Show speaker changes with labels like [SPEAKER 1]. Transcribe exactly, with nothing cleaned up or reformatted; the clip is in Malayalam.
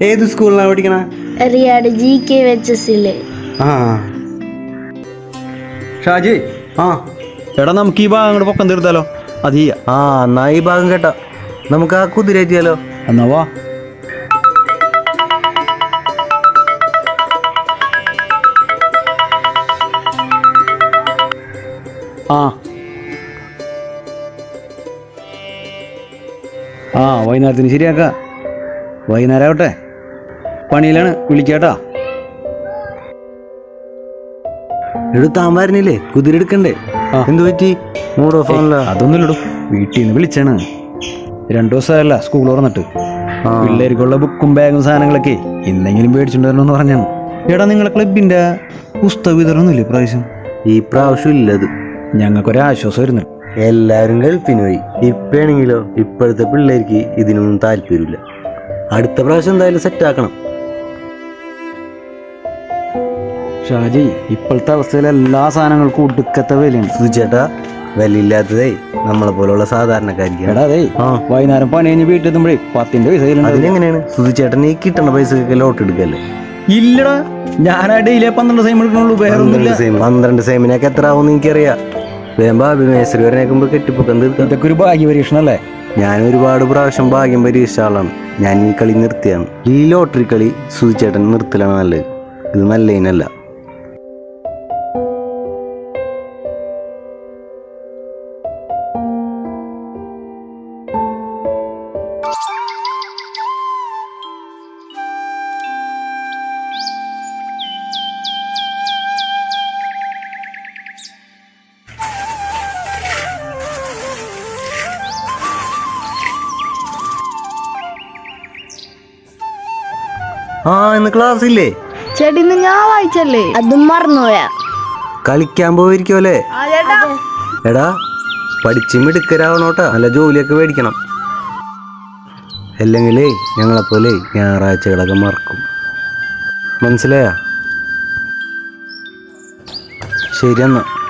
[SPEAKER 1] ഏത് സ്കൂളിലാണ് പഠിക്കണ?
[SPEAKER 2] റിയാഡ് ജി കെ എച്ച് എസില്.
[SPEAKER 1] ആ ഷാജി, ആ
[SPEAKER 3] എടാ നമുക്ക് ഈ ഭാഗം അങ്ങോട്ട് പൊക്കം തീർത്താലോ? അത് ചെയ്യാം.
[SPEAKER 1] ആ എന്നാ ഈ ഭാഗം കേട്ടാ നമുക്ക് ആ കുതിരേറ്റിയാലോ?
[SPEAKER 3] എന്നാ വാ. ആ ആ വൈകുന്നേരത്തിന് ശരിയാക്ക. വൈകുന്നേരം ആവട്ടെ, പണിയിലാണ്, വിളിക്കാട്ടാ.
[SPEAKER 1] എടുത്താൻ വരുന്നില്ലേ? കുതിര എടുക്കണ്ടേ? എന്തു പറ്റി? മൂഡ് ഓഫ് ആണല്ലോ.
[SPEAKER 3] അതൊന്നും ഇടും, വീട്ടിൽ നിന്ന് വിളിച്ചാണ്. രണ്ടു ദിവസമല്ല സ്കൂൾ തുറന്നിട്ട്. പിള്ളേർക്കുള്ള ബുക്കും ബാഗും സാധനങ്ങളൊക്കെ ഇന്നെങ്കിലും മേടിച്ചിട്ട് വരണമെന്ന് പറഞ്ഞാണ്. എടാ നിങ്ങളെ ക്ലബിന്റെ പുസ്തക വിതരണമൊന്നുമില്ലേ പ്രാവശ്യം?
[SPEAKER 1] ഈ പ്രാവശ്യം ഇല്ലത്.
[SPEAKER 3] ഞങ്ങൾക്കൊരാശ്വാസം വരുന്നു.
[SPEAKER 1] എല്ലാവരും ഗൾഫിന് പോയി. ഇപ്പാണെങ്കിലോ ഇപ്പോഴത്തെ പിള്ളേർക്ക് ഇതിനൊന്നും താല്പര്യമില്ല. അടുത്ത പ്രാവശ്യം എന്തായാലും സെറ്റ് ആക്കണം.
[SPEAKER 3] ഷാജി, ഇപ്പോഴത്തെ അവസ്ഥയിൽ എല്ലാ സാധനങ്ങൾക്കും ഒടുക്കത്തെ വിലയാണ്.
[SPEAKER 1] സുചേട്ടാ, വിലയില്ലാത്തതേ നമ്മളെ പോലുള്ള സാധാരണക്കാർക്ക്.
[SPEAKER 3] എടാ അതെ, വൈകുന്നേരം പണി കഴിഞ്ഞ് വീട്ടിൽ എത്തുമ്പോഴേ പത്തിന്റെ പൈസ.
[SPEAKER 1] അതിനെങ്ങനെയാണ് സുചേട്ടൻ ഈ കിട്ടണ പൈസക്കൊക്കെ ലോട്ട് എടുക്കല്ലേ?
[SPEAKER 3] ഇല്ലടാ, ഞാൻ ഡെയിലി പന്ത്രണ്ട് സെയിം എടുക്കണുള്ളൂ.
[SPEAKER 1] പന്ത്രണ്ട് സെയിമിനൊക്കെ എത്ര ആവും എനിക്കറിയാം. മേശ്രി വരനേക്കുമ്പോ കെട്ടിപ്പൊക്കം തീർക്കാം.
[SPEAKER 3] ഇതൊക്കെ ഒരു ഭാഗ്യ പരീക്ഷണം അല്ലേ?
[SPEAKER 1] ഞാൻ ഒരുപാട് പ്രാവശ്യം ഭാഗ്യം പരീക്ഷിച്ച ആളാണ്. ഞാൻ ഈ കളി നിർത്തിയാണ്. ഈ ലോട്ടറി കളി സുചേട്ടൻ നിർത്തലാണ് നല്ലത്. ഇത് നല്ല ഇനല്ല. ആ ഇന്ന് ക്ലാസ് ഇല്ലേ?
[SPEAKER 2] ചേട്ടി ഇന്ന് ഞാൻ വായിച്ചല്ലേ, അതും മറന്നുപോയാ.
[SPEAKER 1] കളിക്കാൻ പോയിരിക്കുമല്ലേ? എടാ പഠിച്ചും മിടുക്കരാവണോട്ടാ. നല്ല ജോലിയൊക്കെ മേടിക്കണം. അല്ലെങ്കിലേ ഞങ്ങളെപ്പോലെ ഞായറാഴ്ചകളൊക്കെ മറക്കും. മനസ്സിലായാ? ശരി എന്നാ.